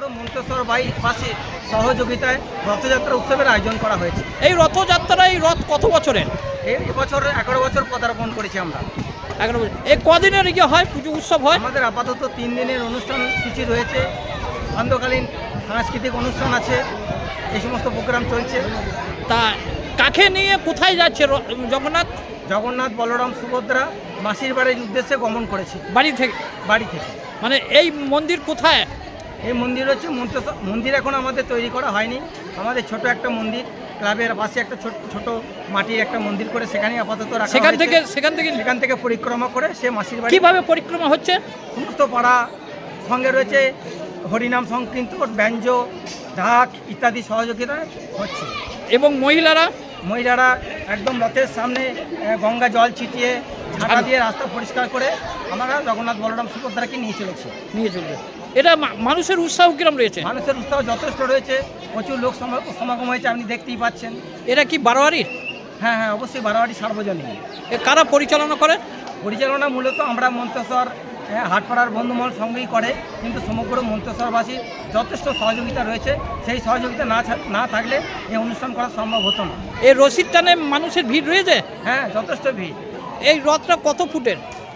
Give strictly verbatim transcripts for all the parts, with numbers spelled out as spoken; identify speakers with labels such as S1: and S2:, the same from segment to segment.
S1: মন্তেশ্বর বাসীর সহযোগিতায় রথযাত্রা উৎসবের আয়োজন করা হয়েছে।
S2: এই রথযাত্রা এই রথ কত বছরের?
S1: এই এবছর এগারো বছর পদার্পণ করেছি আমরা।
S2: এগারো বছর। এই কদিনের ইয়ে হয় পুজো উৎসব হয়?
S1: আমাদের আপাতত তিন দিনের অনুষ্ঠান সূচি রয়েছে, সান্ধ্যকালীন সাংস্কৃতিক অনুষ্ঠান আছে, এই সমস্ত প্রোগ্রাম চলছে।
S2: তা কাকে নিয়ে কোথায় যাচ্ছে র- জগন্নাথ?
S1: জগন্নাথ, বলরাম, সুভদ্রা মাসির বাড়ির উদ্দেশ্যে গমন করেছে
S2: বাড়ি থেকে?
S1: বাড়ি থেকে।
S2: মানে এই মন্দির কোথায়?
S1: এই মন্দির হচ্ছে মন্তেশ্বর মন্দির, এখন আমাদের তৈরি করা হয়নি। আমাদের ছোট একটা মন্দির, ক্লাবের পাশে একটা ছোট ছোট মাটির একটা মন্দির করে সেখানেই আপাতত রাখা
S2: সেখান
S1: হয়েছে।
S2: থেকে সেখান থেকে
S1: সেখান থেকে পরিক্রমা করে সে মাসির বাড়ি।
S2: কিভাবে পরিক্রমা হচ্ছে?
S1: সমস্ত পাড়া সঙ্গে রয়েছে হরিনাম সংকীর্তন, ব্যঞ্জ, ঢাক ইত্যাদি সহযোগিতায় হচ্ছে।
S2: এবং মহিলারা?
S1: মহিলারা একদম রথের সামনে আহ, গঙ্গা জল ছিটিয়ে ঝাঁটা দিয়ে রাস্তা পরিষ্কার করে আমরা জগন্নাথ, বলরাম, সুভদ্রাকে নিয়ে চলেছি।
S2: নিয়ে চলবে। এটা মা- মানুষের উৎসাহ কিরম রয়েছে?
S1: মানুষের উৎসাহ যথেষ্ট রয়েছে, প্রচুর লোক সমা- সমাগম হয়েছে, আপনি দেখতেই পাচ্ছেন।
S2: এটা কি বারোয়ারির?
S1: হ্যাঁ হ্যাঁ অবশ্যই বারোয়ারি সার্বজনীন।
S2: এ কারা পরিচালনা করে?
S1: পরিচালনা মূলত আমরা মন্তেশ্বর হ্যাঁ, হাটপাড়ার বন্ধুমহল সঙ্গেই করে, কিন্তু সমগ্র মন্তেশ্বরবাসীর যথেষ্ট সহযোগিতা রয়েছে। সেই সহযোগিতা না ছা- না থাকলে এই অনুষ্ঠান করা সম্ভব হতো না।
S2: এই রশিদ টানে মানুষের ভিড় রয়েছে?
S1: হ্যাঁ যথেষ্ট ভিড়।
S2: এই রথটা কত ফুটের?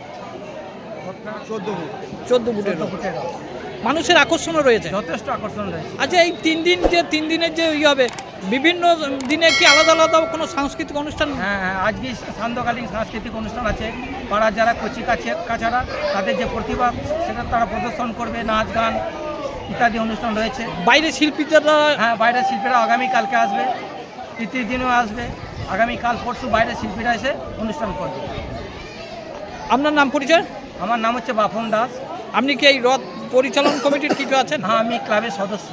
S1: চোদ্দ ফুট
S2: চোদ্দ ফুটের
S1: চোদ্দ
S2: রথ।
S1: ফুটের রথ।
S2: মানুষের আকর্ষণও রয়েছে?
S1: যথেষ্ট আকর্ষণ রয়েছে।
S2: আচ্ছা, এই তিন দিন যে তিন দিনের যে ইয়ে হবে, বিভিন্ন দিনে কি আলাদা আলাদা কোনো সাংস্কৃতিক অনুষ্ঠান?
S1: হ্যাঁ হ্যাঁ আজকে সান্ধ্যকালীন সাংস্কৃতিক অনুষ্ঠান আছে। পাড়ার যারা কচি কাছে কাছাড়া তাদের যে প্রতিভা সেটা তারা প্রদর্শন করবে, নাচ গান ইত্যাদি অনুষ্ঠান রয়েছে।
S2: বাইরে শিল্পীরা?
S1: হ্যাঁ বাইরের শিল্পীরা আগামীকালকে আসবে, তৃতীয় দিনও আসবে, আগামীকাল পরশু বাইরের শিল্পীরা এসে অনুষ্ঠান করবে।
S2: আপনার নাম পরিচয়?
S1: আমার নাম হচ্ছে বাপন দাস।
S2: আপনি কি এই রথ পরিচালন কমিটির কিছু আছেন?
S1: হ্যাঁ আমি ক্লাবের সদস্য।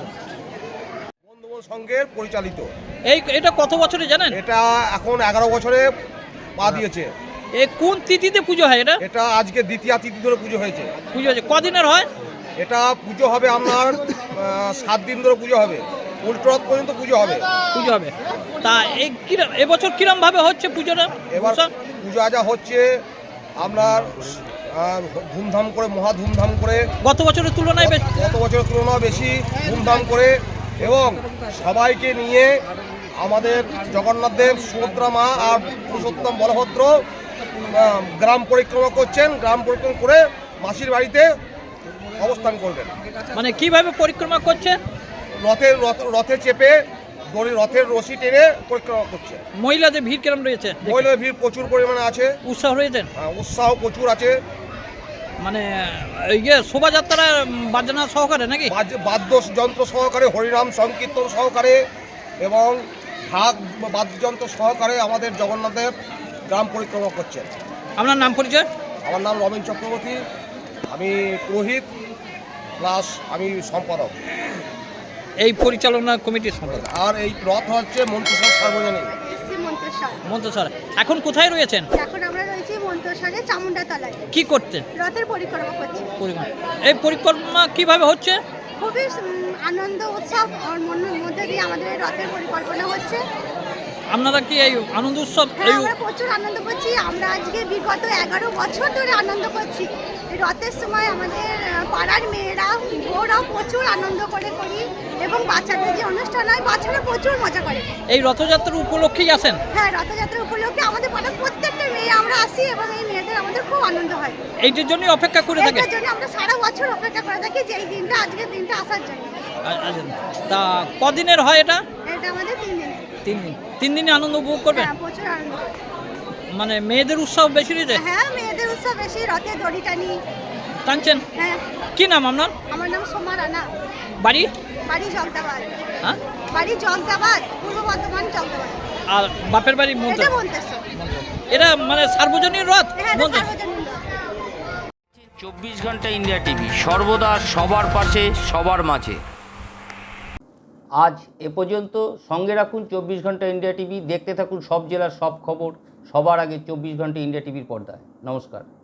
S3: বন্ধুমহল সংঘের পরিচালিত।
S2: এই এটা কত বছরে জানেন?
S3: এটা এখন এগারো বছরে পা দিয়েছে।
S2: এই কোন তিথিতে পুজো হয় এটা?
S3: এটা আজকে দ্বিতীয় তিথি ধরে পুজো হয়েছে।
S2: পুজো হচ্ছে কদিনের হয়?
S3: এটা পুজো হবে আপনার আহ, সাত দিন ধরে পুজো হবে, উল্টোরথ পর্যন্ত পুজো হবে।
S2: পুজো হবে। তা এই কিরম এবছর কিরম ভাবে হচ্ছে পুজোটা?
S3: এবার
S2: উৎসব?
S3: পুজো আজা হচ্ছে আপনার আহ, ধুমধাম করে, মহা ধুমধাম করে,
S2: গত বছরের তুলনায় বেশ?
S3: গত বছরের তুলনায় বেশি ধুমধাম করে, এবং সবাইকে নিয়ে আমাদের জগন্নাথ দেব, সুভদ্রা মা আর পুরুষোত্তম বলভদ্র আহ, গ্রাম পরিক্রমা করছেন। গ্রাম পরিক্রমা করে মাসির বাড়িতে অবস্থান করবেন।
S2: মানে কিভাবে পরিক্রমা করছে?
S3: রথের রথ- রথে চেপে দড়ি, রথের রশি টেনে পরিক্রমা করছে।
S2: মহিলাদের ভিড় কিরম রয়েছে?
S3: মহিলাদের ভিড় প্রচুর পরিমাণে আছে,
S2: উৎসাহ রয়েছে?
S3: আহ, উৎসাহ প্রচুর আছে।
S2: মানে ইয়ে শোভাযাত্রা বাজনা সহকারে নাকি?
S3: বাদ্য- বাদ্যযন্ত্র সহকারে, হরিনাম সংকীর্তন সহকারে এবং ঢাক বাদ্যযন্ত্র সহকারে আমাদের জগন্নাথের গ্রাম পরিক্রমা করছেন।
S2: আপনার নাম পরিচয়?
S3: আমার নাম রবীন চক্রবর্তী, আমি পুরোহিত প্লাস আমি সম্পাদক।
S2: এই পরিচালনা কমিটির সম্পাদক।
S3: আর এই রথ হচ্ছে মন্ত্রিসভা সার্বজনীন।
S4: এসছি মন্তেশ্বর।
S2: মন্তেশ্বর। এখন কোথায় রয়েছেন?
S4: এখন আমরা রয়েছি মন্তেশ্বরে চামুন্ডা তলায়,
S2: কি করতেন?
S4: রথের পরিক্রমা করছি।
S2: পরিক্রমা। এই পরিক্রমা কিভাবে হচ্ছে?
S4: খুবই উম, আনন্দ উৎসব ওর মনের মধ্যে দিয়ে আমাদের এই রথের পরিকল্পনা হচ্ছে।
S2: আপনারা কি এই আনন্দ উৎসব
S4: হ্যাঁ,
S2: এই
S4: আমরা প্রচুর আনন্দ করছি। আমরা আজকে বিগত এগারো বছর ধরে আনন্দ করছি। এই রথের সময় আমাদের আহ, পাড়ার মেয়েরা বউরাও প্রচুর আনন্দ করে করি, এবং বাচ্চাদের যে অনুষ্ঠান হয় বাচ্চারা প্রচুর মজা করে।
S2: এই রথযাত্রার উপলক্ষেই আসেন?
S4: হ্যাঁ, রথযাত্রা উপলক্ষে আমাদের পাড়ার প্রত্যেকটা মেয়ে আমরা আসি, এবং এই মেয়েদের আমাদের খুব আনন্দ হয়।
S2: এইটার জন্যই অপেক্ষা করে থাকে?
S4: এটার জন্য আমরা সারা বছর অপেক্ষা করে থাকি যে এই দিনটা, আজকের দিনটা আসার জন্য।
S2: আ- আচ্ছা। তা কদিনের হয় এটা?
S4: এটা আমাদের তিন দিন।
S2: তিন দিন। তিন দিনে আনন্দ উপভোগ করবেন?
S4: হ্যাঁ, প্রচুর আনন্দ।
S2: মানে মেয়েদের উৎসব বেশি রয়েছে?
S4: হ্যাঁ, মেয়েদের উৎসব বেশি, রথে দড়ি টানি।
S2: টানছেন?
S4: হ্যাঁ।
S2: কি নাম আপনার?
S4: আমার নাম সোমা রানা,
S2: বাড়ি?
S4: বাড়ি জগদাবাদ।
S2: হ্যাঁ।
S4: বাড়ি জগদাবাদ, পূর্ব বর্ধমান জগদাবাদ।
S2: আর বাপের বাড়ি
S4: এটা
S2: মন্তেশ্বর।
S4: মন্তেশ্বর।
S2: এটা মানে সার্বজনীন রথ?
S4: হ্যাঁ, এটা
S2: মন্তেশ্বর।
S4: সার্বজনীন রথ।
S5: চব্বিশ ঘন্টা ইন্ডিয়া টিভি, সর্বদা সবার পাশে, সবার মাঝে। আজ এ পর্যন্ত। সঙ্গে রাখুন চব্বিশ ঘন্টা ইন্ডিয়া টিভি। দেখতে থাকুন সব জেলার সব খবর সবার আগে চব্বিশ ঘন্টা ইন্ডিয়া টিভির পর্দায়। নমস্কার।